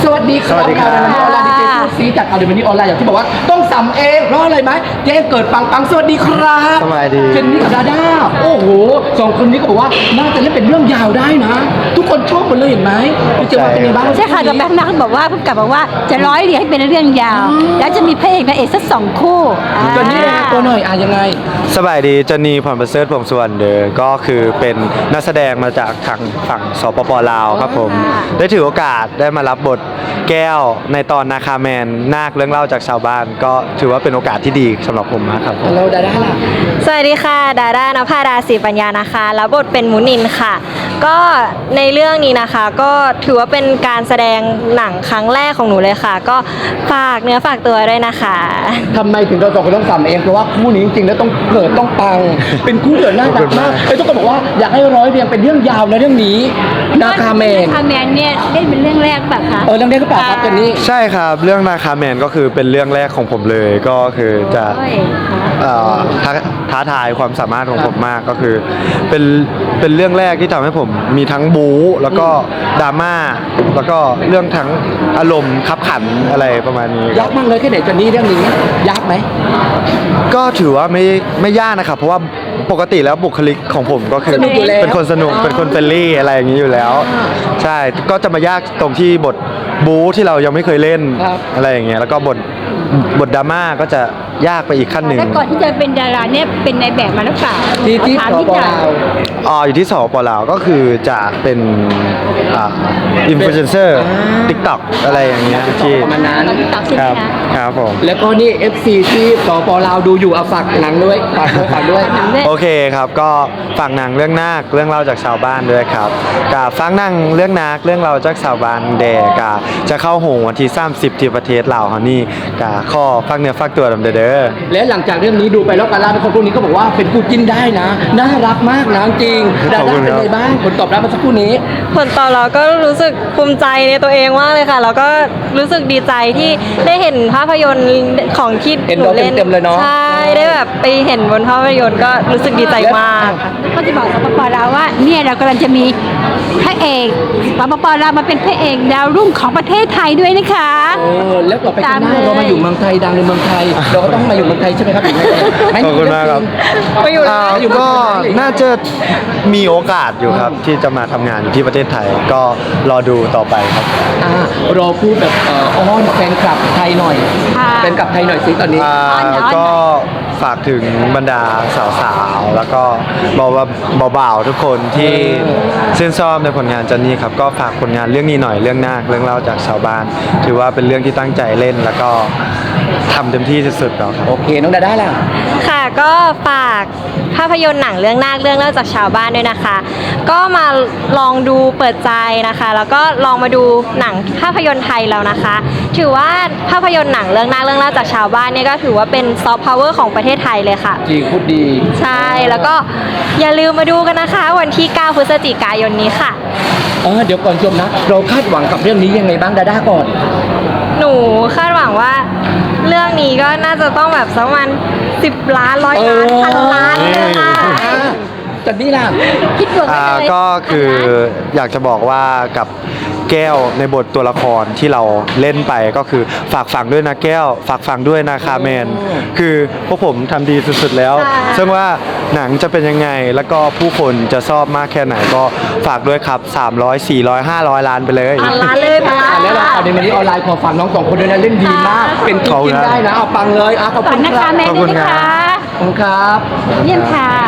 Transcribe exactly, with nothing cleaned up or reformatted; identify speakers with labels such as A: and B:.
A: สวัสดีครับออนไลน์ดีเจพูดซีจากอาร์เดมินีออนไลน์อย่างที่บอกว่าต้องสัมเองเพราะอะไรไหมเจ๊เกิดปังปังสวัสดีครับ
B: สบายดี
A: เจนนี่กับดาด้าโอ้โหสองคนนี้ก็บอกว่าน่าจะเล่นเป็นเรื่องยาวได้นะทุกคนชอบหมดเลยเห็นไหมพี่เจว่าเป็นไงบ้าง
C: ใช่ค่ะกับแบงค์นักบอกว่าเพิ่งกลับบอกว่าจะร้อยเรียงให้เป็นเรื่องยาวแล้วจะมีพระเอกนางเอกสักสองคู่
A: เจนนี่ตัวหน่อยอ่ะยังไง
B: สบายดีจันนีพรประเสริฐพงษ์สุวรรณเดอก็คือเป็นนักแสดงมาจากทางฝั่งสปปลาวครับผมได้ถือโอกาสได้มารับบทแก้วในตอนนาคาแมนนาคเรื่องเล่าจากชาวบ้านก็ถือว่าเป็นโอกาสที่ดีสำหรับผมมากครับ
A: เราดาด้าล่ะ
D: สวัสดีค่ะดาด้านภาดาศรีปัญญานะคะรับบทเป็นมุนินค่ะก็ในเรื่องนี้นะคะก็ถือว่าเป็นการแสดงหนังครั้งแรกของหนูเลยค่ะก็ฝากเนื้อฝากตัวด้วยนะคะ
A: ทำไมถึงเราสองคนต้องสัมเองเพราะว่าคู่นี้จริงๆแล้วต้องเกิดต้องปังเป็นคู่เกิดน่ารักมากไอ้ทุกคนบอกว่าอยากให้ร้อยเรียงเป็นเรื่องยาวนะเรื่องนี้นาคาแมน
C: นาคาแมนเนี่ยเล่นเป็นเรื่องแรกแบบคะ
A: เออเรื่องแรกก็เปล่าครับจันนี่
B: ใช่ครับเรื่องนาคาแมนก็คือเป็นเรื่องแรกของผมเลยก็คือจะท้าท้าทายความสามารถของผมมากก็คือเป็นเป็นเรื่องแรกที่ทำให้ผมมีทั้งบู๊แล้วก็ดราม่าแล้วก็เรื่องทั้งอารมณ์ขับขันอะไรประมาณนี้
A: ยากมากเลยแค่ไหนจันนี่เรื่องนี้ยากไหม
B: ก็ถือว่าไม่ไม่ยากนะครับเพราะว่าปกติแล้วบุคลิกของผมก็คือเป็นคนสนุกเป็นคนเฟรนลี่อะไรอย่างนี้อยู่แล้วใช่ก็จะมายากตรงที่บทบู๊ที่เรายังไม่เคยเล่นอะไรอย่างเงี้ยแล้วก็บทบทดราม่าก็จะยากไปอีกขั้นหนึ่ง
C: แล้วก่อนที่จะเป็นดาราเนี่ยเป็นในแบบมาหรือเปล่า
A: ที่ที่สปลาว
B: อ๋ออยู่ที่สปลาวก็คือจะเป็นอ่าอินฟลูเอนเซอร์ติ๊กต็อกอะไรอย่างเงี้ยที่
A: ประมาณนั้น
B: ครับครับผม
A: แล้วก็นี่ เอฟ ซี ที่สปลาวดูอยู่เอาฝากหนังด้วยฝากด้วยฝากด้วย
B: โอเคครับก็ฝากหนังเรื่องนาคเรื่องเล่าจากชาวบ้านด้วยครับกับฟังหนังเรื่องนาคเรื่องเล่าจากชาวบ้านแดกะจะเข้าโหงวันที่สามสิบที่ประเทศลาวเฮานี่กะข้อฟังเนื้อฟักตัวดำเด้อ
A: และหลังจากเรื่องนี้ดูไปแล้วกันล่าคนพวกนี้ก็บอกว่าเป็นคู่จิ้นได้นะน่ารักมากนะจริงดาด้าเป็นไงบ้างผลตอบรับมาสักครู่นี้
D: ผลตอบรับก็รู้สึกภูมิใจในตัวเองมากเลยค่ะแล้วก็รู้สึกดีใจที่ได้เห็นภาพยนตร์ของที่หนูเล่นใช่ได้แบบไปเห็นบนภาพยนตร์ก็รู้สึกดีใจมาก
C: ก็จะบอกสปปลาวว่าเนี่ยเรากำลังจะมีพระเอกสปปลาวมาเป็นพระเอกดาวรุ่งของประเทศไทยด้วยนะคะ
A: เออแล้วต่อไปข้างหน้าเรามาอยู่เมืองไทยดังในเมืองไทยเราก็ต้องมาอยู่เมืองไทยใช่ไหมครับ
B: ขอบคุณมากครับ
D: ไปอยู่
B: ก็น่าจะมีโอกาสอยู่ครับที่จะมาทำงานอยู่ที่ประเทศไทยก็รอดูต่อไปครับ
A: อ่ารอพูดแบบอ้อนแฟนคลับไทยหน่อยแฟนคลับไทยหน่อยสิตอนนี้
B: ก็ฝากถึงบรรดาสาวๆแล้วก็บอกว่าเบาๆทุกคนที่ชื่นชอบในผลงานจันนี่ครับก็ฝากผลงานเรื่องนี้หน่อยเรื่องนาคเรื่องเล่าจากชาวบ้านถือว่าเป็นเรื่องที่ตั้งใจเล่นแล้วก็ทำเต็มที่สุดๆแล้วครับ
A: โอเคน้องดาด้าล่ะ
D: ค่ะก็ฝากภาพยนตร์หนังเรื่องนาคเรื่องเล่าจากชาวบ้านด้วยนะคะก็มาลองดูเปิดใจนะคะแล้วก็ลองมาดูหนังภาพยนตร์ไทยแล้วนะคะถือว่าภาพยนตร์หนังเรื่องนาคเรื่องเล่าจากชาวบ้านเนี่ยก็ถือว่าเป็นซอฟต์พาวเวอร์ของประเทศไทยเลยค่ะ
A: จริงพูดดี
D: ใช่แล้วก็อย่าลืมมาดูกันนะคะวันที่เก้าพฤศจิกายนนี้ค่ะ
A: เออเดี๋ยวก่อนชมนะเราคาดหวังกับเรื่องนี้ยังไงบ้างดาด้าก่อน
D: หนูคาดหวังว่าเรื่องนี้ก็น่าจะต้องแบบสักประมาณสิบล้านร้อยล้านพันล้านเลยค่ะ
A: จันนี่ล่ะ
D: คิดว่า
B: ก็คืออยากจะบอกว่ากับแก้วในบทตัวละครที่เราเล่นไปก็คือฝากฝังด้วยนะแก้วฝากฝังด้วยนะคาแมนคือพวกผมทำดีสุดๆแล้วซึ่งว่าหนังจะเป็นยังไงแล้วก็ผู้คนจะชอบมากแค่ไหนก็ฝากด้วยครับสามร้อย สี่ร้อย ห้าร้อยล้านไปเลย
D: ล้านเลยค่ะ
A: แล้วเราเอาในมันนี้ออนไลน์ขอฝากน้องสองคนด้วยนะเล่นดีมากเป็นกินได้นะเอาปังเลยอ่ะขอบคุณ
C: นะคะแม่ด้วยนะคะ
A: ขอบคุณครับ
C: เยี่ยมค่ะ